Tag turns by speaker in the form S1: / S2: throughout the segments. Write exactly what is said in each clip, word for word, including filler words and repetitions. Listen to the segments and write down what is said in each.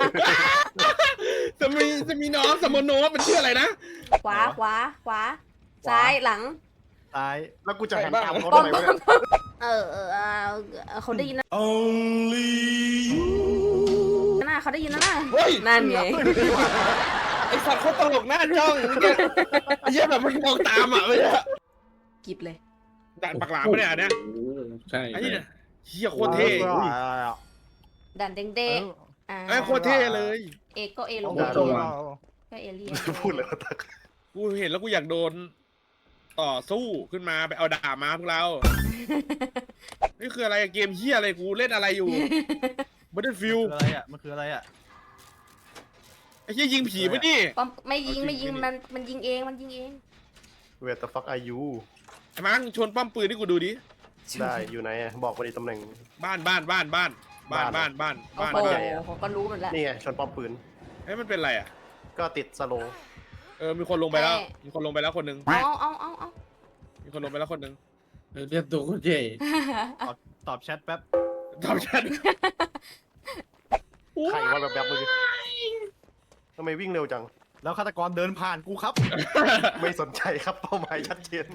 S1: จะมีจะมีน้องสมโนมันชื่ออะไรนะ
S2: ขวาขวาขวาซ้ายหลัง
S3: ซ้าย
S4: แล้วกูจะหันตามเขา
S2: ป้อ
S4: ทำ
S2: ม
S4: ไม
S2: ป้อ
S4: วะ
S2: ม
S4: เนี่ย
S2: เออเออเออเขาได้ยินนะ
S1: Only you
S2: น่าเขาได้ยินนะน่า
S1: เฮ้ย
S2: นั่นไง
S1: ไอสัตว์เขาตลกหน้าจ้องเนี่ยไอ้เหี้ยแบบมันมองตามอ่ะไม่ใช่
S2: กิบเลย
S1: ด่านปากหลามไม่ได้อ่ะเนี่ย
S5: ใช่
S1: ไอ้เนี่ยเหี้ยโคตรเท่
S2: ดันเด้งเด้งอ่า
S1: ไอ้โคตรเท่เลย
S2: เอก็เอลง
S3: โอ้โห
S2: ก็เอเลียน
S4: พูดเลยว่าตัก
S1: กูเห็นแล้วกูอยากโดนต่อสู้ขึ้นมาไปเอาดาบมาพวกเรา นี่คืออะไรเกมเหี้ยอะไรกูเล่นอะไรอยู่ Battlefield
S3: คืออะไรอ่ะมันคืออะไรอ่ะ
S1: ไอ้เหี้ยยิงผีปะนี่
S2: ป้อมไม่ยิง
S3: เอาจริง
S2: ไม่ยิง
S3: ไม่ดิ
S2: มันมันยิงเองมันยิงเอง
S4: เวทฟักอายุ
S1: ไอ้มังชนป้อมปืนให้กูดูดิ
S4: ได้อยู่ไหนอะบอกมาดิตำแหน่ง
S1: บ้านบ้านบ้านบ้านบ้านบ้านบ้าน
S2: โอ้
S1: บ้าน
S2: โห
S1: ใหญ่
S2: ผมก็รู้หมดแล้ว
S4: นี่ไงชนป้อมปืน
S1: เฮ้ยมันเป็นอะไรอ่ะ
S4: ก็ติดสโลว์
S1: เออมีคนลงไปแล้วมีคนลงไปแล้วคนหนึ่ง
S2: เอาเอาเอาเอา
S1: มีคนลงไปแล้วคนหนึ่ง
S5: เรียกตัวคนเจ
S3: ตอบตอบแชทแป๊บ
S1: ตอบฉัน
S4: ใครว่าแบบแบบๆเมื่อกี้ทำไมวิ่งเร็วจัง
S3: แล้วฆาตกรเดินผ่านกูครับ
S4: ไม่สนใจครับเป้าหมายชัดเจน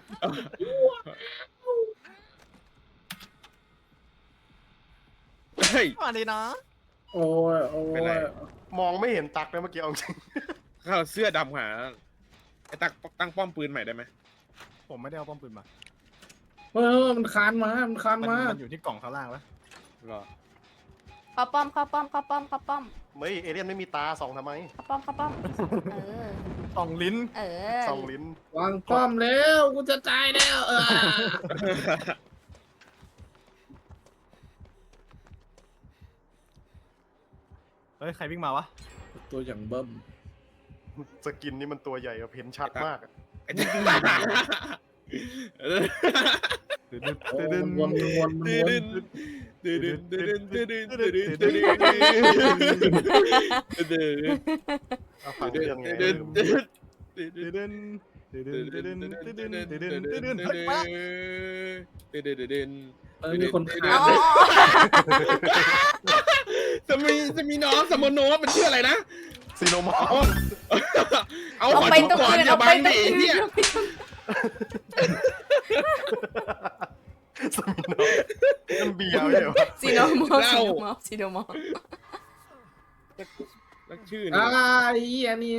S1: เฮ้ย
S3: มาเลยนะ
S5: โอ้ยโอ้
S1: เป็นไร
S5: ย
S4: มองไม่เห็นตักเลยเมื่อกี้เอาจริง
S1: ข้าเสื้อดำหาไอ้ตักตั้งป้อมปืนใหม่ได้ไหม
S3: ผมไม่ได้เอาป้อมปืนมา
S5: เออมันคานมา มันคาน
S3: มัน
S5: มา
S3: มันอยู่ที่กล่องข้างล่างแล้ว
S1: หรอ
S2: เข้าป้อมเข้าป้อมเข้าป้อมเข้าป้อม
S4: เฮ้ยเอเลี่ยนไม่มีตาส่องทำไม
S2: เข้าป้อมเข้าป้อมเออ
S3: กล่องลิ้น
S2: เออ
S4: ส่องลิ้น
S5: วางป้อมแล้วกูจะตายแล้วเออ
S3: เฮ้ยใครวิ่งมาวะ
S5: ตัวอย่างเบิ้ม
S4: สกินนี่มันตัวใหญ่แบบเห็นชัดมากอะ
S1: ไอ้ตักเออ
S3: ตึ๊ดตึ๊ด
S5: โอ้
S3: ตึ๊ด
S5: มันวนมันวนมันวน
S1: ตื่นตื่นตื่นตื่นตื่นตื่นตื่นตื่นตื่น
S4: เอาฟังเรื่องไง
S1: ตื่นตื่น
S3: ตึ๊ดตึ๊ดตึ๊ดตึ๊ดตึ๊ดตึ๊ดตึ๊ดตึ๊ดตึ๊ดตึ๊ดตึ๊ดตึ๊ด
S1: ตื่น
S3: เฮ้ยมาละ
S1: ตื่นตื่นตื่น
S5: เออมีคนคา
S2: เอา
S5: นเลย
S1: จะมีจะมีน้องสมโนมันชื่ออะไรนะ
S4: ซีโนมอ
S1: เอา
S4: ล
S1: เอา
S2: เอา
S1: ขอ
S2: ไป
S1: ดู
S2: ตรง
S1: ก่อน
S2: อื่น
S1: อย่า
S2: เอา
S1: บั
S2: ไป
S1: ง
S2: ตร
S1: ดิ
S2: งอื่น
S1: เนี่ย
S4: สมิโนมันเบียร์ไม่ใช่เหรอ
S2: ซีโนมอลซีโนมอลซีโนมอล
S1: แล้วชื่อ
S5: อ่า
S1: นี่
S5: ไอ้เหี้ยนี่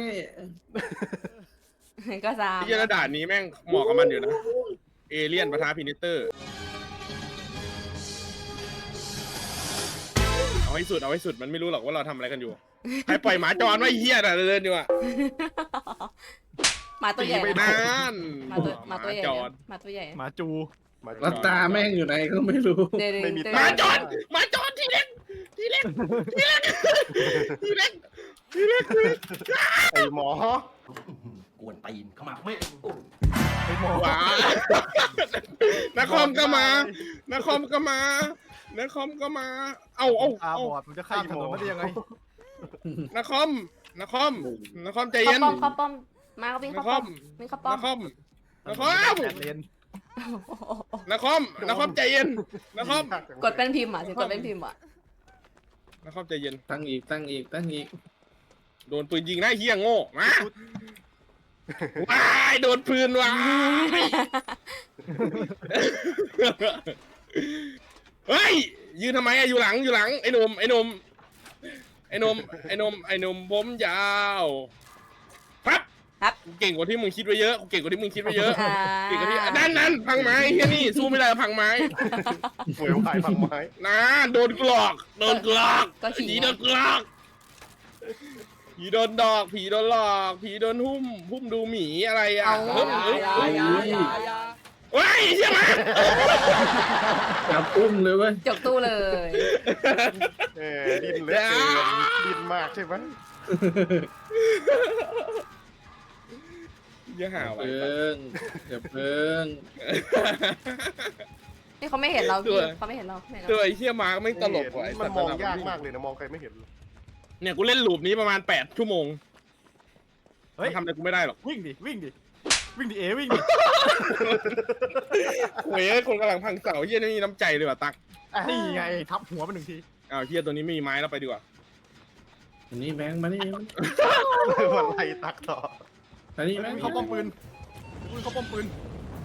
S2: ก็สาม
S1: ไอ้เหี้ยระดาษนี้แม่งเหมาะกับมันอยู่นะเอเลี่ยนปะทะพินิเตอร์เอาให้สุดเอาให้สุดมันไม่รู้หรอกว่าเราทำอะไรกันอยู่ใครปล่อยหมาจรไว้เหี้ยน่ะเดินอยู่อ่ะ
S2: หมาตัวใหญ่
S1: ไม่
S2: นะ
S1: นาน
S2: หมาตัวหมาตัวใหญ่
S1: จ
S2: นะ
S1: ร
S2: หมาตัวใหญ่นะ
S3: หมาจู
S4: มา
S5: แล้วตาแม่งอยู่ไหนก็ไม่รู้
S2: เดี๋ยวเดี๋ยว
S4: ไม่มี
S2: เดี๋ยว
S1: หมาจ
S4: ต
S1: รหมาจรทีเล็กทีเล็กทีเล็กทีเล็กทีเล็ก
S4: ไอ้หมอก
S6: วนตีนเข้ามาไม่
S3: ไอ้หมอ
S1: ว้านครก็มานครก็มานครก็มา เอาเอา
S3: ตา
S1: เอา
S3: บอดมันจะข้ามถนนมาได้ยังไง
S1: นครนครนครใจ
S2: เข้า
S1: เย็น
S2: ป้อมเข้าป้อมมาก็วิ่ง
S1: น
S2: เข้า
S1: ค
S2: ป้อ
S1: ร
S2: มวิ่งเข้าน ป้อม
S1: ครนคร
S3: แปดเลน
S1: นครนครใจเย็นนคร
S2: กดเป็นพิมพ์อ่ะสิกดเป็นพิมพ์อ่ะ
S1: นครใจเย็น
S5: ตั้งอีกตั้งอีกตั้งอีก
S1: โดนปืนยิงหน้าเฮียโง่มาว้ายโดนปืนว้ายเฮ้ยยืนทำไมอะอยู่หลังอยู่หลังไอ้หนุ่มไอ้หนุ่มไอ้หนุ่มไอ้หนุ่มไอ้หนุ่มผมยาวปั๊บ
S2: ครับ
S1: กูเก่งกว่าที่มึงคิดไว้เยอะกูเก่งกว่าที่มึงคิดไว้เยอะ
S2: อ่า
S1: เก่งกว่าที่นั่นนั่นพังไม้เฮียนี่สู้ไม่ได้พังไม้
S4: เฟื่อยพายพังไม้
S1: นะโดนกลอกโดนกลอก
S2: ก็ขิง
S1: ผีโดนกลอกผีโดนดอกผีโดนหลอกผีโดนหุ้มหุ้มดูหมีอะไรอ่ะ
S2: เอา
S1: เฮ้ยเฮ้ยเฮ้ย
S5: อุ้ย
S1: ว้ายใช่ไหม
S5: จับอุ้มเลยเว้ย
S2: จกตู้เลย
S4: เออดิ้นเหลยดิ้นมากใช่ไหม
S1: อย่าหาไว้
S5: เพิ่งอย่าเพิ่ง
S2: นี่เขาไม่เห็นเราพี่เขาไม่เห็นเราไม่เห็น
S1: ตั
S2: เรา
S1: วไอ้เชี่ยมาร์กไม่ตลกว่ะไอ้
S4: มั
S1: สั
S4: น
S1: ตว์
S4: มอง
S1: ระดับ
S4: ยากมากเลยนะมองใครไม่เห็น
S1: เนี่ยกูเล่นลูปนี้ประมาณแปดชั่วโมง
S3: เฮ้ย
S1: มันทำอะไรกูไม่ได้หรอก
S3: วิ่งดิวิ่งดิวิ่งดิเอวิ่งดิ
S1: โว้ยคนกำลังพังเสาเฮียนี่มีน้ำใจเลยว่ะตัก
S3: นี่ไงทับหัวไปหนึ่งที
S1: อ้าวเฮียตัวนี้ไม่มีไม้แล้วไปดีกว่า
S5: อันนี้แบงค์มานี่
S4: วันไล่ตักต่อ
S5: อันนี้แบงค์
S3: เขาป้อมปืนปืนเขาป้อมปืน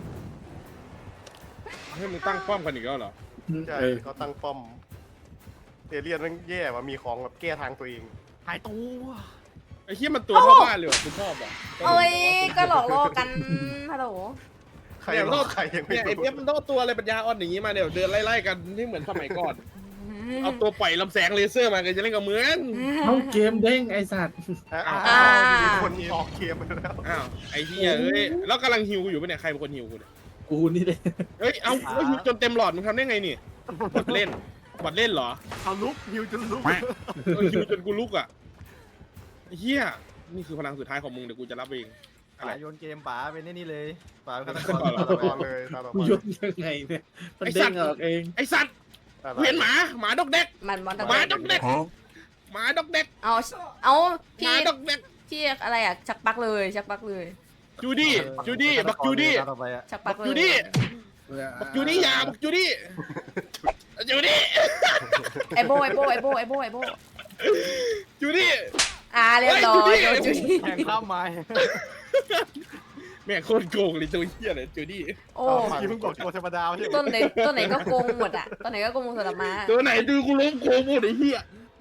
S1: ให้มึงตั้งป้อมกันอีกแล้วเหรอ
S4: ใช่
S5: เออ
S4: เขาตั้งป้อมเอเลี่ยนมันแย่ว่ะมีของแบบแก้ทางตัวเอง
S3: หายตัว
S1: ไอ้เหี้ยมันตัวเท่าบ้านเลยว่ะกูชอบอ่ะ
S2: โอ้ยก็หลอกล่อกันฮัลโหล
S4: ใครรอดใครยังไม่
S1: เนี่ยไอ้
S4: รู้
S1: เนี้ยมันต้องตัวอะไรปัญญาอ่อนอย่างงี้มาเดี๋ยวเดินไล่ๆกันที่เหมือนสมัยก่อน เอาตัวปล่อยลำแสงเลเซอร์มากันจะเล่นกับเหมือน
S5: เอาเกมเด้งไอสัตว์
S4: อ้าว
S2: อ่า
S4: มีคนออกเกมไปแล้ว
S1: อ้าวไอ้เหี้ยเอ้ยแล้วกำลังฮิวกูอยู่ปะเนี่ยใครเป็นคนฮิวกูเนี่ย
S5: กูนี่เลย
S1: เฮ้ยเอาแล้วฮิวจนเต็มหลอดมึงทำได้ไงนี่บอดเล่นบอดเล่นเหรอ
S3: เอาลุกฮิวจนลุก
S1: เออฮิวจนกูลุกอ่ะไอ้เหี้ยนี่คือพลังสุดท้ายของมึงเดี๋ยวกูจะรับเองอะไร
S3: ป๋าโยนเกมป๋าเป็นนี่เลยป๋าเป็น
S1: ฆา
S3: ฆา
S1: ต
S3: ต
S1: ก
S3: ก
S1: ร
S3: ร
S4: ตาตอนเลยตาต่อ
S5: กู
S4: ไป
S5: ยกยังไงเนี่ยมันเด้งออกเอง
S1: ไอ้สัตว์กูเห็นหมาหมาดอกเด็ก
S2: มันบอลตะ
S1: หมาดอกเด็กหมาดอกเด็ก
S2: เอาเอา
S1: ห
S2: พี่
S1: มาดอกเด็ก
S2: พี่อะไรอ่ะชักปักเลยชักปักเลย
S1: จูดี้จูดี้บักจูดี้
S3: ตาต่อไปอะ
S2: ชักปักเลย
S1: จูดี้บักจูดี้อยาบักจูดี้จูดี้
S2: ไอโบไอโบไอโบไอโบไอโบ
S1: จูดี้
S2: อ่าเรียบร้อยโดนจูดี้
S3: แข่งข้ามไม้
S1: แม่งโคตรโกงเลยตัวเหี้ยเลยจูดี้
S2: โอ้
S3: เมื่อกี้เพิ่งบอกตัวธรรมดาไม่ใช่เหร
S2: ต้
S3: อน
S2: ไหนต้นไหนก็โกงหมดอ่ะต้นไหนก็โกงหมดสำหรับมา
S1: ตัวไหนดูกูล้มโกงหมดไอ้เหี้ย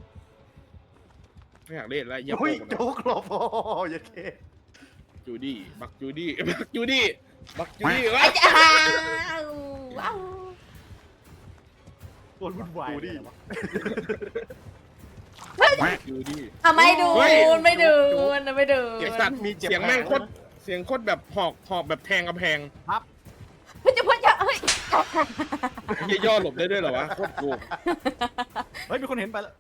S1: ไม่อยากเล่นแล้วเหี้ยโก
S4: เฮ้ย
S1: งหมด
S4: โจ๊กหลบโอ้ยเค
S1: จูดี้บักจูดี้บักจูดี้บักจูดี้
S2: ไอ้
S1: วะ
S2: จ้าว้าว
S3: ตัววุ่นวาย
S4: ดูดิ
S1: จูดี้
S2: อ่ะไม่ดู
S1: เฮ้ย
S2: ไม่ดูไม่ดู
S1: เสียงสัตว์
S4: มีเจ็บ
S1: เสียงแม่งโคตรเสียงโคตรแบบหอกหอกแบบแทงกำแพง
S2: เฮ้ยจะพูดจะเฮ้ย
S1: เหี้ยย่อหลบได้ด้วยเหรอวะโคตรโกง
S3: เฮ้ยมีคนเห็นไปแล้ว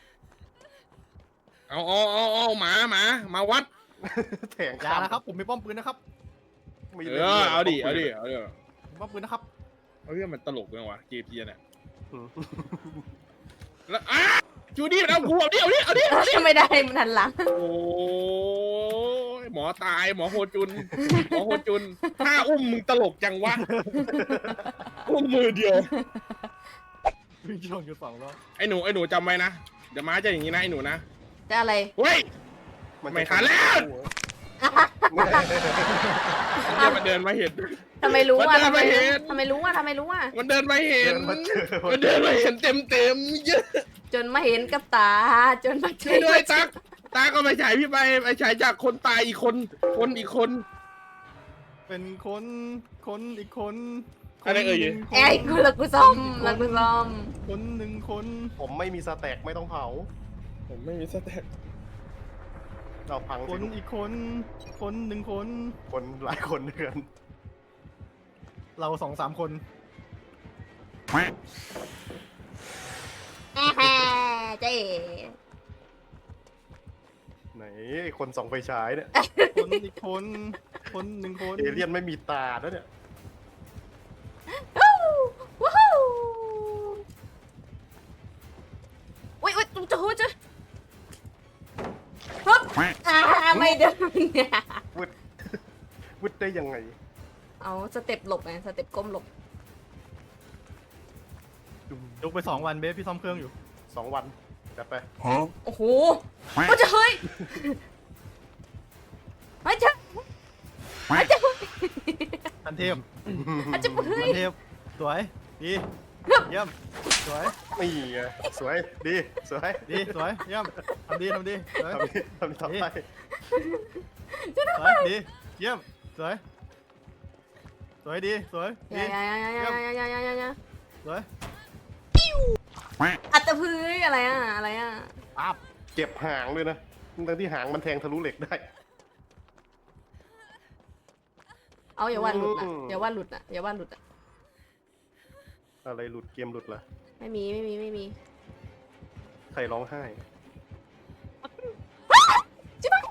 S1: เอาเอาเอาเอาหมาหมามาวัด
S4: แถง
S3: อย่านะครับผมมีป้อมปืนนะครับ
S4: มี
S1: เออเอาดิเอาดิเอาดิ
S3: มีป้อมปืนนะครับ
S1: เอาเรื่องมันตลกจังวะเกมเพียเนี่ยแล้วอ้าจูดี้มันเอากูเอาดิเอาดิเอาดิเอาดิ
S2: ไม่ได้มันหันหลัง
S1: โอ้ยหมอตายหมอโฮจุนหมอโฮจุนถ้าอุ้มมึงตลกจังวะอุ้มมือเดียว
S3: วิ่งชนกันสองรอบ
S1: ไอ้หนูไอ้หนูจำไว้นะเดี๋ยวม้าจะอย่างนี้นะไอ้หนูนะ
S2: จะอะไร
S1: เฮ้ย ไม่ทันแล้ว เนี่ยมันเดินมาเห็น
S2: ทำไมรู้อ่ะ
S1: มันเดิน
S2: ทำไม
S1: มาเห็น
S2: ทำไมรู้อ่ะทำไมรู้อ่ะ
S1: มันเดินมาเห็
S4: เดิ
S1: น
S4: นมาเจอ
S1: มันเดินมาเห็นเต็มเต็มๆเยอะ
S2: จนมาเห็นกับตา จนมาเจ
S1: ช่วย
S2: อ
S1: ด้วยตักตาก็ไปฉายพี่ไปไปฉายจากคนตายอีกคนคนอีกคน
S3: เป็นคนคนอีกคน
S1: อะไรเอ่ย
S3: คนหนึ่งคน
S2: ไอ้กูละกูซ้อมละกูซ้อม
S3: คนหนึ่งคน
S4: ผมไม่มีสแต็กไม่ต้องเผา
S1: ผมไม่มีสเต็ป
S4: เราพัง
S3: ค
S4: สิ
S3: น
S4: ลูก
S3: อีกคน คนหนึ่งคน
S4: คนหลายคนเดือน
S3: เราสองสามคน
S2: แฮ่เจ๊
S4: ไหนไอ้คนส่องไฟฉายเนี่ย
S3: คนอีกคน คนหนึ่งคน
S4: เอเลี่ยนไม่มีตาแล้วเนี่ย
S2: วู้วู้ฮู้อุ้ยอุ้ยจะหูจะฮึบอ่าไม่เดินเนี่ย
S4: วุดวุดได้ยังไง
S2: เอาสเต็ปหลบไงสเต็ปก้มหลบ
S3: ยกไปสองวันเบสพี่ซ่อมเครื่องอยู่
S4: สองวันจัดไป
S2: โอ้โหโอ้จะเฮ้ยเฮ้ยจะเฮ้ยจะ
S3: ทันเทพ
S2: เฮ้ยจะเฮ้
S3: ทั
S2: ย
S3: นเทพสวย ดี เยี่ยม สวย
S4: นี่ไงสวยดีสวย
S3: ดี สวย เยี่ยมทำดีทำดีสวย
S4: ทำดีทำต่อไป
S3: สวยดี เยี่ยม สวย สวยดี สวย
S2: อ
S3: ดี
S2: ย่าอย่าอย่าอย่าอย่าอย่าอย่าอย่า
S3: สวย
S2: อัตตพื้นอะไรอ่ะอะไรอ่ะ
S3: ปั๊บ
S4: เก็บหางด้วยนะทั้งที่หางมันแทงทะลุเหล็กได้
S2: เอาอย่าว่าหลุดนะ
S4: อืม
S2: อย่าว่าหลุดนะอย่าว่าหลุดอ่ะ
S4: อะไรหลุดเกมหลุดเหรอ
S2: ไม่มีไม่มีไม่มี
S4: ใครร้องไห้
S2: จิ๊บ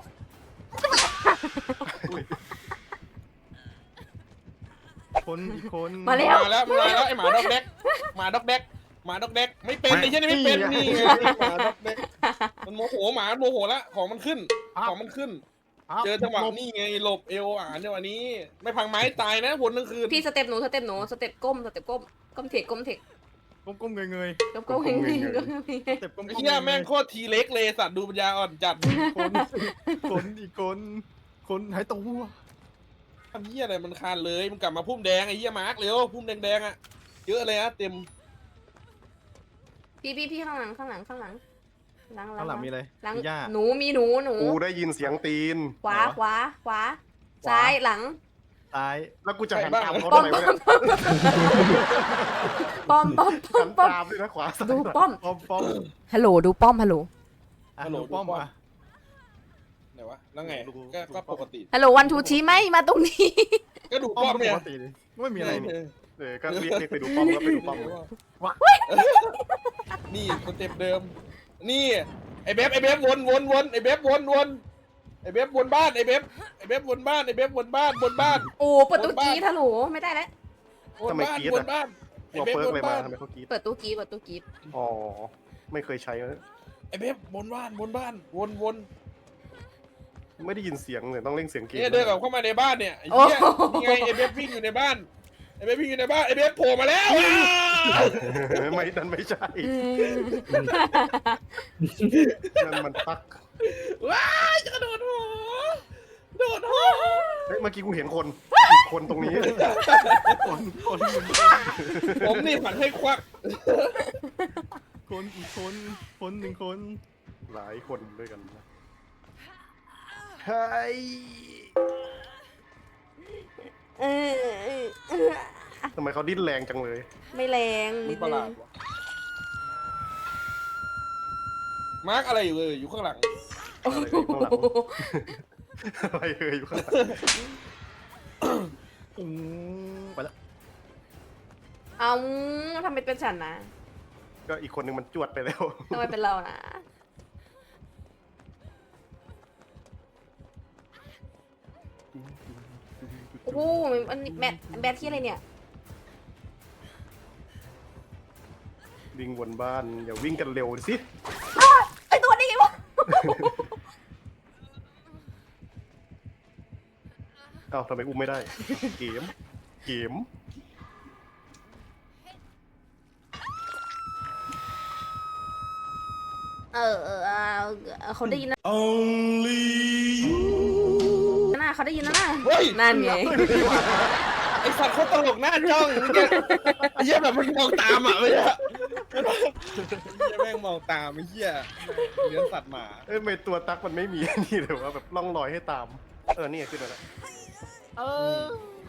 S3: คนอีกคน
S2: มาเร็ว
S1: มาแล้วมาแล้วไอหมาดอกเด็กหมาดอกเด็กหมาดอกเด็กไม่เป็นไอ้เช่นไม่เป็นนี่ไงหมาดอกเด็กมันโมโหหมาโมโหละของมันขึ้นของมันขึ้น
S3: ปั๊บ
S1: เจอจังหวะนี่ไงหลบเอวอ่านจังหวะนี้ ไม่พังไม้ตายนะผลทั้งคืน
S2: พี่สเต็ปหนูสเต็ปหนูสเต็ปก้มสเต็ปก้มก้มเทคก้มเทค
S3: ก้มๆเงย
S2: ก็ก็เฮงเฮงก็เฮง
S3: ๆเจ็บก้มๆ
S1: ไอ้เหี้ยแม่งโคตรทีเล็กเลยสัตว์ดูปัญญาอ่อนจัด
S3: คนคนอีกคนคนหายตัว
S1: ทำเหี้ยอะไรมันคานเลยมันกลับมาพุ่มแดงไอ้เหี้ยมาร์กเร็วพุ่มแดงๆอ่ะเยอะเลยนะเต็ม
S2: พี่พี่พี่ข้างหลังข้างหลังข้างหลังหลัง
S3: ข้างหลังมีอะไร
S2: หลัง
S3: มีหญ้า
S2: หนูมีหนูหนู
S4: กูได้ยินเสียงตีน
S2: ขวาขวาขวาซ้ายหลัง
S3: ซ้าย
S4: แล้วกูจะหันตามเขา
S2: ป้อ
S4: ทำ
S2: ม
S4: ไมวะเนี่ย
S2: ป้อมป้อมป้อ
S4: หั
S2: ม
S4: น
S2: ป้อม
S4: ตามด้วยนะขวาซ้าย
S2: ดูป้อม
S3: ป้อมป้อม
S2: ฮัลโหลดูป้อมฮัลโหล
S3: อ่ะดูป้อมอ่ะ
S1: ไหนวะแล้วไง
S3: ดู
S1: ก็
S3: ดู
S1: ก็
S3: ป้อม
S1: ปกติ
S2: ฮัลโหลวันทูชี้ไหมมาตรงนี้
S1: ก็ดู
S3: ป้อ
S1: ป้อ
S3: ม
S1: ม
S3: ป
S1: เนี่ย
S3: กติดิไม่มีอะไรนี่
S4: เออก็เรียกเรียกไปดูป้อมแล้วไปดูป้อม
S1: นี่สเต็ปเดิม นี่ไอ้เบฟไอ้เบฟวนวนวนไอ้เบฟวนวนไอ้เบฟวนบ้านไอ้เบฟไอ้เบฟวนบ้านไอ้เบฟวนบ้านวนบ้าน
S2: โอ้เปิดตู้กี้ฮัลโหลไม่ได้แล้ว
S1: วนบ้านวนบ้านไอ้
S4: เรา
S1: เบฟ
S4: เปิร์
S1: ว
S4: ก
S1: น
S4: เลยมา
S1: บ้าน
S4: ทำไมเขากรีด
S2: เปิดตู้กี้เปิดตู้กี้
S4: อ๋อไม่เคยใช้นะ
S1: ไอ้เบฟวนบ้านวนบ้านวนวน
S4: ไม่ได้ยินเสียงเลยต้องเล่นเสียงกรีด
S1: เนี่ยเดินกลับเข้ามาในบ้านเนี่ยไอ้เหี้ยนี่ไงไอ้เบฟวิ่งอยู่ในบ้านไอ้เบฟวิ่งอยู่ในบ้านไอ้เบฟโผล่มาแล้ว
S4: ไม่นั่นไม่ใช่นั่นมันพัก
S1: ว้ายจะกระโดดหัวโดดหัว
S4: เฮ้ยเมื่อกี้กูเห็นคนอีกคนตรงนี้
S3: คนคนหนึ่ง
S1: ผมนี่ผันให้ควัก
S3: คนอีกคนคนหนึ่งคน
S4: หลายคนด้วยกันนะเฮ้ย
S2: เออ
S4: ทำไมเขาดิ้นแรงจังเลย
S2: ไม่แรง
S1: มั
S2: นิ
S1: น
S2: ด
S1: ประห
S2: นึ
S1: ลาง ดว่ะมาร์กอะไรอยู่เลยอยู่ข้างหลัง
S4: อะไรเอ่ยอยู่ข้างหลัง
S3: อืมไปแล้ว
S2: เอาทำไมเป็นฉันนะ
S4: ก็อีกคนนึงมันจวดไปแล้ว
S2: ทำไมเป็นเรานะโอ้โหมันแมทแบทที่อะไรเนี่ย
S4: วิ่งวนบ้านอย่าวิ่งกันเร็วสิ
S2: ไอตัวนี้ไงวะ
S4: เอ้าทำไมอุ้มไม่ได้ เกม เกม
S2: เออเออเออเขาได้ยินนะน่าเขาได้ยินนะน่า
S1: เฮ้ย
S2: นั่นไง
S1: ไอสัตว์เขาตลกหน้าจ้องเมื่อกี้ไอ้เหี้ยแบบมันมองตามอ่ะไม่ใช่ไอ้เหี้ยแม่งมองตามไอ้เหี้ยเนื้อสัตว์หมา
S4: เอ้ยทำไมตัวตั๊กมันไม่มี นี่เลยว่าแบบล่องรอยให้ตาม เออ นี่ไงขึ้นมาแล้ว
S3: เออ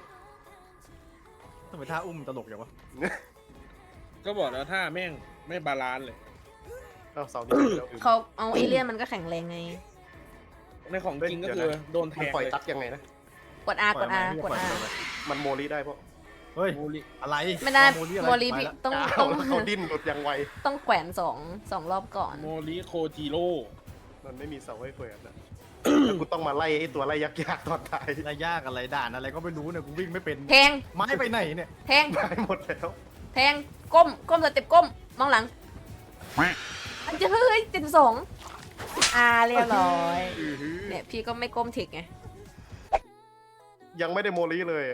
S3: ทำไมท่าอุ้มตลกอย่างวะ
S1: ก็บอกแล้วถ้าแม่งไม่บาลานซ์เลย
S4: เอ้าเสานี้ขึ้นแล้ว
S2: เขาเอาเอเลี่ยนมันก็แข็งแรงไง
S1: ในของจริงก็คือโดนแท
S4: มัน
S1: ง
S4: ปล่อย
S1: เลย
S4: ตั๊กยังไงนะ
S2: กด R กด R กด
S3: ปล่อย
S2: R
S3: ไหม
S4: มันโมลีได้เพราะ
S3: เฮ้ย
S1: โมลิ
S3: อะไร
S2: ไม่ได้
S3: โมลี่อะไร
S2: โมลี
S3: ไป
S2: พี่
S3: แล้ว
S2: ต้อง
S4: ก้า
S2: ต้
S4: ว
S2: อง
S4: แล้วเขาดิ้นหลุดยังไว
S2: ต้องแขวนสองสองรอบก่อน
S1: โมลิโคจิโร่
S4: มันไม่มีเสาให้เปิดนะ แล้วกูต้องมาไล่ไอ้ตัวไล่ยักษ์ยากตอนท้าย
S3: อะไรยากอะไรด่านอะไรก็ไม่รู้เนี่ยกูวิ่งไม่เป็น
S2: แทง
S3: ไม้ไปไหนเนี่ย
S2: แทง
S4: ได้หมดแล้ว
S2: แทงก้มก้มสเต็ปก้มมองหลังอันจะเฮ้ยเจ็ดสองอ่าเรียบร้อยเนี่ยพี่ก็ไม่ก้มถิกไง
S4: ยังไม่ได้โมลีเลย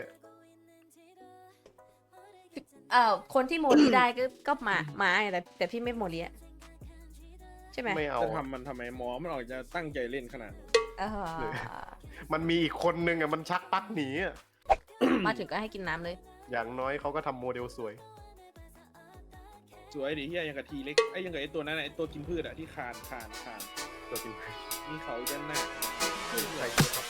S2: เอ่อคนที่โมลีได้ก็ก็หมาหมาไงแต่แต่พี่ไม่โมลีอะใช่ไหม
S4: ไม่เอา
S1: จะทำมันทำไมหมอมันออกจะตั้งใจเล่นขนาดนี้
S2: เออ
S4: มันมีอีกคนนึงอ่ะมันชักปักหนีอ่ะ
S2: มาถึงก็ให้กินน้ำเลย
S4: อย่างน้อยเขาก็ทำโมเดลสวย
S1: สวยดิเฮียยังกับทีเล็กไอ้ยังกับไอ้ตัวนั้นน่ะไอ้ตัวกินพืชอะที่คานคานคาน
S4: ตัวจริง
S1: มีเขาด้านหน้า
S4: ใช่ครับ